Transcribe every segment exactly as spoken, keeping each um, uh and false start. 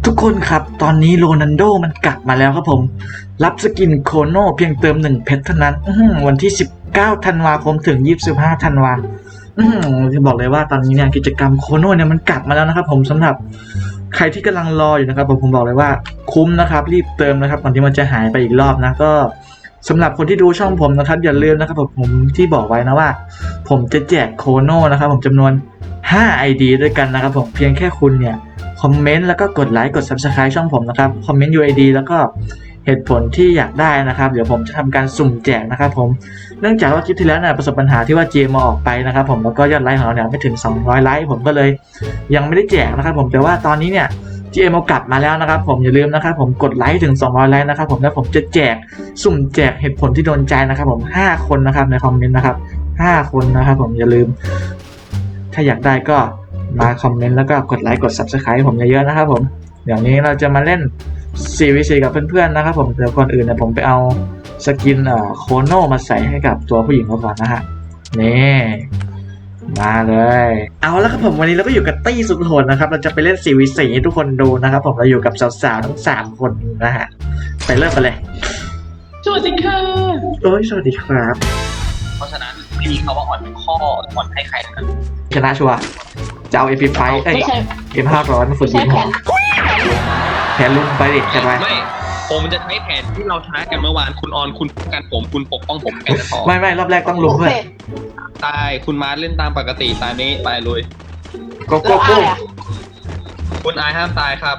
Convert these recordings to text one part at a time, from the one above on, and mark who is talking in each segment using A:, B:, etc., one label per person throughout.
A: ทุกคนครับตอนนี้โรนัลโดมันกลับมาแล้วครับผมรับสกินโคโน่เพียงเติมหนึ่งเพชรเท่านั้นวันที่สิบเก้าธันวาคมถึงยี่สิบห้าธันวาจะบอกเลยว่าตอนนี้เนี่ยกิจกรรมโคโน่เนี่ยมันกลับมาแล้วนะครับผมสำหรับใครที่กำลังรออยู่นะครับผมผมบอกเลยว่าคุ้มนะครับรีบเติมนะครับก่อนที่มันจะหายไปอีกรอบนะก็สำหรับคนที่ดูช่องผมนะครับอย่าลืมนะครับผมที่บอกไว้นะว่าผมจะแจกโคโน่นะครับผมจำนวนห้า ไอ ดี ด้วยกันนะครับผมเพียงแค่คุณเนี่ยคอมเมนต์แล้วก็กดไลค์กด ซับสไครบ์ ช่องผมนะครับคอมเมนต์ ยู ไอ ดี แล้วก็เหตุผลที่อยากได้นะครับเดี๋ยวผมจะทำการสุ่มแจกนะครับผมเนื่องจากว่าคลิปที่แล้วเนี่ยประสบปัญหาที่ว่าเจมมาออกไปนะครับผมแล้วก็ยอดไลค์ของเราเนี่ยไม่ถึงสองร้อยไลค์ผมก็เลยยังไม่ได้แจกนะครับผมแต่ว่าตอนนี้เนี่ยเจมเอากลับมาแล้วนะครับผมอย่าลืมนะครับผมกดไลค์ถึงสองร้อยไลค์นะครับผมแล้วผมจะแจกสุ่มแจกเหตุผลที่โดนใจนะครับผมห้าคนนะครับในคอมเมนต์นะครับห้าคนนะครับผมอย่าลืมถ้าอยากได้ก็มาคอมเมนต์แล้วก็กดไลค์กด ซับสไครบ์ ผมเยอะๆนะครับผมเดี๋ยวนี้เราจะมาเล่น ซี วี ซี กับเพื่อนๆนะครับผมเดี๋ยวก่อนอื่นเนี่ยผมไปเอาสกินเอ่อโคโน่มาใส่ให้กับตัวผู้หญิงก่อนนะฮะนี่มาเลยเอาแล้วครับผมวันนี้เราก็อยู่กับตี้สุดโหดนะครับเราจะไปเล่น ซี วี ซี ให้ทุกคนดูนะครับผมเราอยู่กับสาวๆทั้งสามคนนะฮะไปเริ่มกันเลย
B: สวัสดีค่ะ
A: โอ้ยสวัสดีครับ
B: เพราะฉะนั้นไม่มีคำว่าอ่อนข้ออ่อนให้ใครนะ
A: ชนะชัวร์จะเอา เอ็ม พี ไฟว์ เอ้ย เอ็ม ห้าร้อย มาฝึกยิงหัวแผนลุ่มไปดิจัดไป
B: ไม่ผมจะใช้แผนที่เราใช้กันเมื่อวานคุณออนคุณกันผมคุณปกป้องผมแค่นั้นพอ
A: ไม่ไม่รอบแรกต้องลุมเพื่อน
B: ตายคุณมาเล่นตามปกติตายนี้ตายเลย
A: โกโก้โก้
B: คุณอายห้ามตายครับ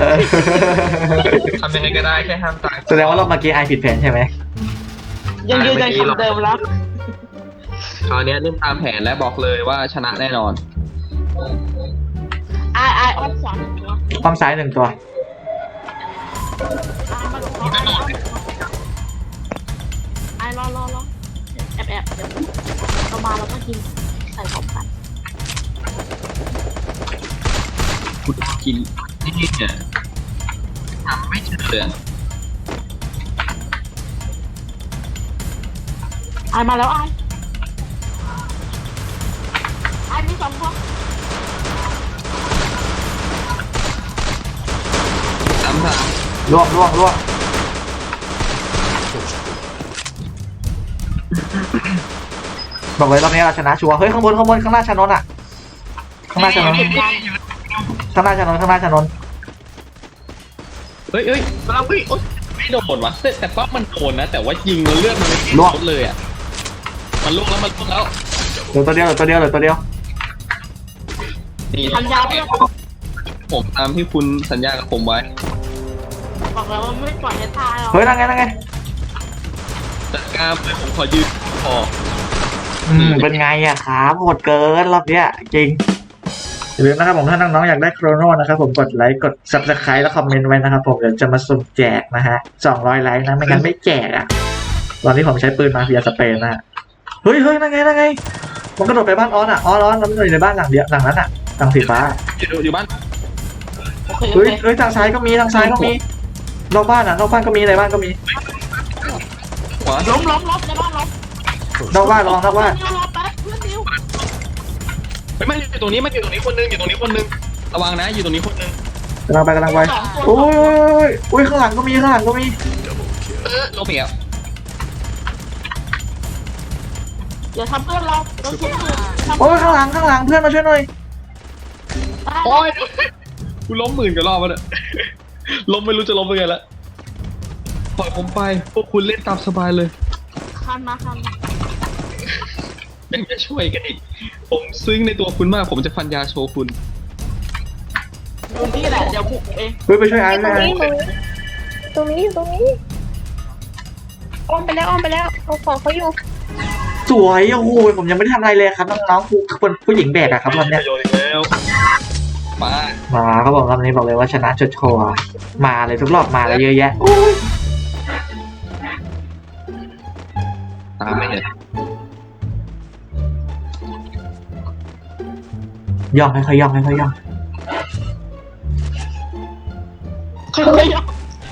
B: ทำยังไงก็ได้แค่ห้ามตาย
A: แสดงว่ารอบเมื่อกี้อายผิดแผนใช่ไหม
C: ยังยืนยันคำเดิมแล้ว
B: คราวนี้เล่นตามแผนและบอกเลยว่าชนะแน่นอน
C: อายอายอ้อมขวาหนึ่งตัว
A: อ้อมซ้ายหนึ่งตัว
C: อายรอรอรอแอบแอบเดี๋ยวเรามาแล้วก็กินใส่พร้อมกัน
B: คุณกินนี่เนี่ยทำไม่เชื่อ
C: อายมาแล้วอายอายมีสองตัว
B: สามสาม
A: ล่วงล่วงล่วงบอกเลยรอบนี้เราชนะชัวร์เฮ้ยข้างบนข้างบนข้างหน้าชนนอ่ะข้างหน้าชนนข้างหน้าชนนข้างหน้าชนน
B: เฮ้ยเฮ้ยเราเฮ้ยไม่โดนวะแต่แต่ป้ามันโดนนะแต่ว่ายิงแล้วเลือดมันไม่ลดเลยอ่ะมันลุกแล้วมันลุกแล้ว
A: เหลือตัวเดียวเหลือตัวเดียวเหลือตัวเดียว
B: นี่สัญญาผมตามที่คุณสัญญากับผมไว้
C: บอกแล้วว่าไม่ปล่อยให้ตายหรอก
A: เฮ้ยนั่งไงนั่งไง
B: จัดการเลยผมขอยืนพอ
A: อืมเป็นไงอะครับโหดเกินรอบเนี้ยจริงอย่าลืมนะครับผมถ้าน้องๆอยากได้โครโน่นะครับผมกดไลค์กด ซับสไครบ์ แล้วคอมเมนต์ไว้นะครับผมเดี๋ยวจะมาสุ่มแจกนะฮะสองร้อยไลค์นะไม่งั้นไม่แจกอะตอนนี้ผมใช้ปืนมาเฟียสเปนนะเฮ้ยเฮ้ยนั่งไงนั่งไงมันกระโดดไปบ้านออสอะออสออสแล้วมันอยู่ในบ้านหลังเดียวหลังนั้นอะหลังสีฟ้า
B: อยู่อยู่บ้าน
A: เฮ้ยเฮ้ยทางซ้ายก็มีทางซ้ายก็มีนอกบ้านอะนอกบ้านก็มีในบ้านก็มี
C: ล้มล้มล้มในบ้านล้ม
A: นอกบ้านลองนอกบ้าน
B: ไม่ไม่อยู่ตรงนี้มันอยู่ตรงนี้คนนึงอยู่ตรงนี้คนนึงระวังนะอยู่ตรงนี้คนนึง
A: กำลังไปกำลังไปโอ้ยโอ้ยข้างหลังก็มีข้างหลังก็มี
B: เออล้มอีกแล้ว
C: อย่าทำเพื่อนเราเราช่วย
A: โอ้ยข้างหลังข้างหลังเพื่อนมาช่วยหน่อย
B: โอ้ยกูล้มหมื่นกว่ารอบแล้วเนี่ยล้มไม่รู้จะล้มยังไงละปล่อยผมไปพวกคุณเล่นตามสบายเลย
C: คันมาคันมา
B: ยังจะช่วยกันอีกผมซึ้งในตัวคุณมากผมจะฟันยาโชว์คุณ
C: ตรงนี้แหละเดี๋ยวบุกเอง
A: เฮ้ยไปช่วยอันนะ
D: ตรงนี้ตรงนี้อ้อมไปแล้วอ้อมไปแล้วเอาของเขาอยู่
A: สวยโอ้โหผมยังไม่ได้ทำอะไรเลยครับน้องๆผู้คนผู้หญิงแบกอะครับวันนี้
B: มา
A: มาเขาบอกรอบนี้บอกเลยว่าชนะจดโชว์มาเลยทุกรอบมาเลยเยอะแยะ
B: ตามไม่เห็น
A: ย่องค่อยๆย่องค่อยๆย่อง
C: ค่อยๆย่อง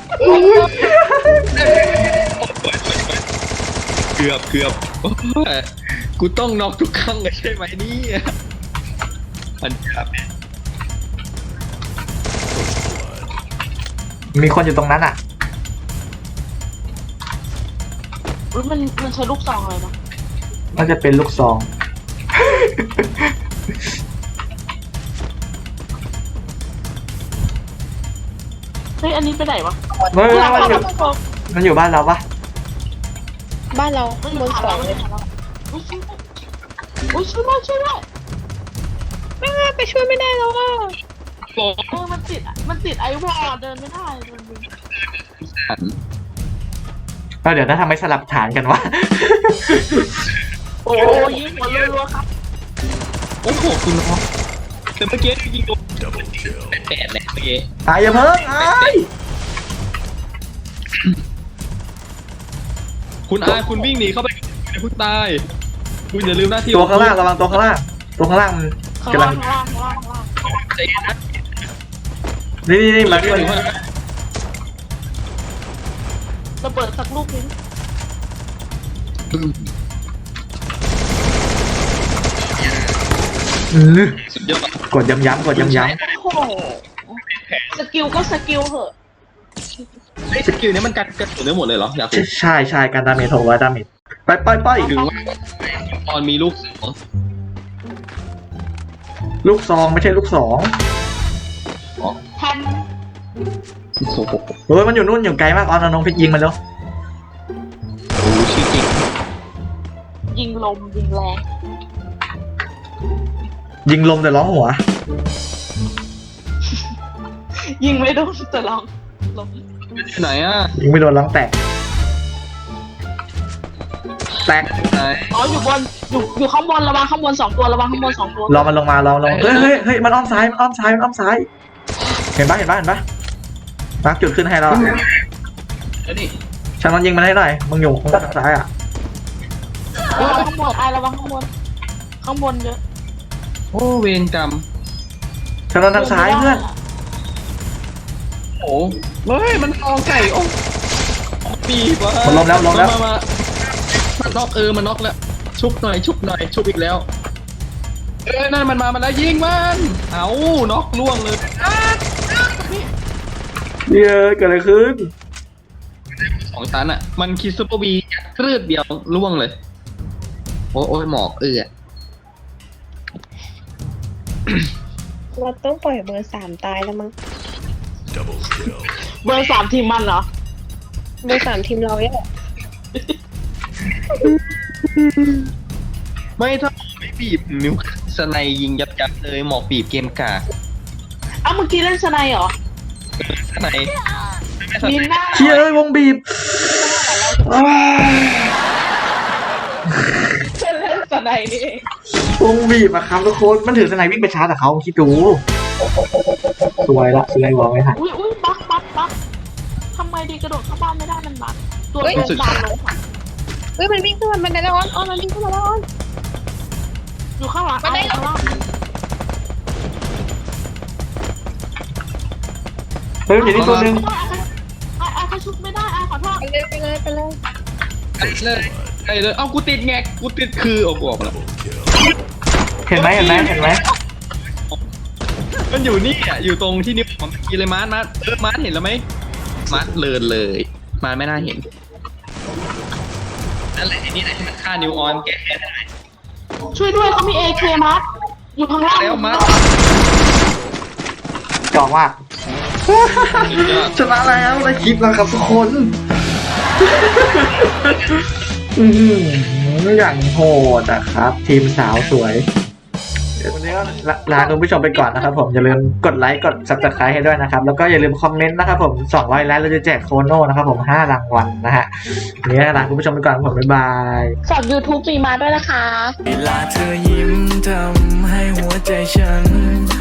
B: เกือบเกือบกูต้องน็อกทุกครั้งเลยใช่ไหมนี่อันจับ
A: มีคนอยู่ตรงนั้นอ่ะ
C: อุ๊ยมันมันใช้ลูกซองเลยนะ
A: น่าจะเป็นลูกซอง
C: เฮ้ยอันนี้ไปไหนวะ
A: เฮ้ยมันอยู่มันอยู่บ้านเราปะ
D: บ้านเรา
C: เฮ้ย
D: บนสองเลย
C: อุ้ยช่วยด้วยอุ้ยช่วยด้วยช่วยด้วย
D: ไม่ไม่ไปช่วยไม่ได้แล้วอ่ะ
B: โอ้
C: เออมันติดมันติดไอวอลเดินไม่ได้เดินไม่ได้
B: หัน
A: เราเดี๋ยวนะทำไมสลับฐานกันวะ
C: โอ้ยยิงหัวรัวๆครับ
B: โอ้โหคุณน้องแต่เมื่อกี้ยิงโดนแปดแหละเมื่อกี้
A: ตายอย่าเพิ่งไอ้าย
B: คุณอาคุณวิ่งหนีเข้าไปอย่าเพิ่งตายคุณอย่าลืมหน้าที่
A: ตัวข้างล่างระวังตัวข้างล่าง ตัวข้างล่างมัน
C: ข้าง
A: กำลั
C: ล่าง งข้างล่างข้างล่างข้างล่าง
B: ใจเย็นนะ
A: นี่นี่นี่มาที่มัน
C: ระเบิดสักลูกนึง
A: อื้อ
B: สุดยอด
A: กดย้ำๆกดย้ำ
C: โอ้โหสกิลก็สกิลเหอะ
B: ไอ้สกิลนี้มันกันกระสุนได้หมดเลยเหรออยากรู้
A: ๆใช่ใช่การดาเมจหกร้อยดาเมจไปไปไป
B: หรือว่าตอนมีลูกสอง
A: ลูกซองไม่ใช่ลูกสอง
C: แทน
B: โอ้โห
A: เฮ้ยมันอยู่นู่นอยู่ไกลมากออนเอาน้องเพชรยิงมันแล้ว
B: รู้ชื่อจริง
C: ยิงลมยิงแรง
A: ยิงลมแต่ร้องหัว
C: ยิงไม่โดนแต่ลองลม
B: ที่ไหนอ่ะ
A: ยิงไม่โดนร้องแตก แตก
B: ไหน
C: อ๋ออยู่บนอยู่อยู่ข้างบนระวังข้างบนสองตัวระวังข้างบนสองตัว
A: รอมันลงมารอมันลงเฮ้ยเฮ้ยเฮ้ยมันอ้อมซ้ายมันอ้อมซ้ายมันอ้อมซ้าย เห็นปะเห็นปะเห็นปะมาร์คจุดขึ้นให้เราอะ
B: แล้วนี่
A: ฉันมันยิงมันให้หน่อยมึงอยู่ข้างซ้ายอ่ะ
C: ระวังข้างบนไอระวังข้างบนข้างบนเยอะ
B: โอ้เวรกรรม
A: ฉันมันทางซ้ายเพื่อน
B: โอ้เฮ้ยมันฟองไก่โอ้ปีบวะ
A: มันล้มแล้วล้มแล้ว
B: าามันน็อกเออมันน็อกแล้วชุบหน่อยชุบหน่อยชุบอีกแล้วเออนั่นมันมามันแล้วยิงมันเอาน็อกล่วงเลย
A: เย้ยเกิดอะไรขึ้น
B: สองชั้นอ่ะมันคิดซุปเปอร์วีครืดเดียวล่วงเลยโอ้โอ้ยหมอกเออ
D: เราต้องปล่อยเบอร์สามตายแล้วมั้ง
C: เบอร์สามทีมมันเหรอ
D: เบอร์สามทีมเราเนี่ย
B: ไม่ถ้าไม่บีบนิ้วสไนยิงยับยับเลยหมอกบีบเกมกา
C: อ้าวเมื่อกี้เล่นสไนเหรอ
B: สไน
C: มีหน้า
A: เชี่ยเอ้ยวงบีบอ้าว
C: เล่นสไนนี่เอง
A: วงบีบอะครับทุกคนมันถือสไนวิ่งไปชาร์จแต่เขาคิดดูสวยละสวยหัวไม่ทัน
C: อุ้ยอุ้ยบักบักบักทำไมดีกระโดดเข้าบ้านไม่ได้มันบักตัวเป็นดาวลงค่ะ
D: เฮ้ยมันวิ่งขึ้นมาบันไดแล้วออนออนมันวิ่งขึ้นมาแล้วออน
C: อยู่ข้างหลังไอ้ข้างล่าง
A: เฮ้ยมันอยู่นี่ตัวนึง
C: ไอ้ไอ้เขาชุบไม่ได้ไอ้ขอโทษ
D: ไปเลยไปเลยไปเลย
B: ไปเลยไปเลยเอ้ากูติดแงกกูติดคือออกออกมาแล้ว
A: เห็นไหมเห็นไหมเห็นไหม
B: มันอยู่นี่อ่ะอยู่ตรงที่นิ้วผมกีเลยมาร์ทมาร์ทเออมาร์ทเห็นแล้วไหมมาร์ทเลินเลยมาร์ทไม่น่าเห็นนั่นแหละไอ้นี่แหละที่มันฆ่านิวออนแกแค่ได้
C: ช่วยด้วยเขามีเอเคมาร์อยู่ข้างล่าง
B: แล้วมาร์ท
A: จอกว่าชนะแล้วได้คลิปแล้วครับทุกคน อืมอย่างโหดอะครับ ทีมสาวสวยเดี๋ยววันนี้ก็ลาลาคุณผู้ชมไปก่อนนะครับผมอย่าลืมกดไลค์กด ซับสไครบ์ ให้ด้วยนะครับ แล้วก็อย่าลืมคอมเมนต์นะครับผมสองร้อยไลค์เราจะแจกโคโน่นะครับผมห้ารางวัลนะฮะวันนี้ลาคุณผู้ชมไปก่อนผมบ๊ายบาย
C: ฝาก YouTube มีมาด้วยนะคะ
E: เวลาเธอยิ้มทำให้หัวใจฉัน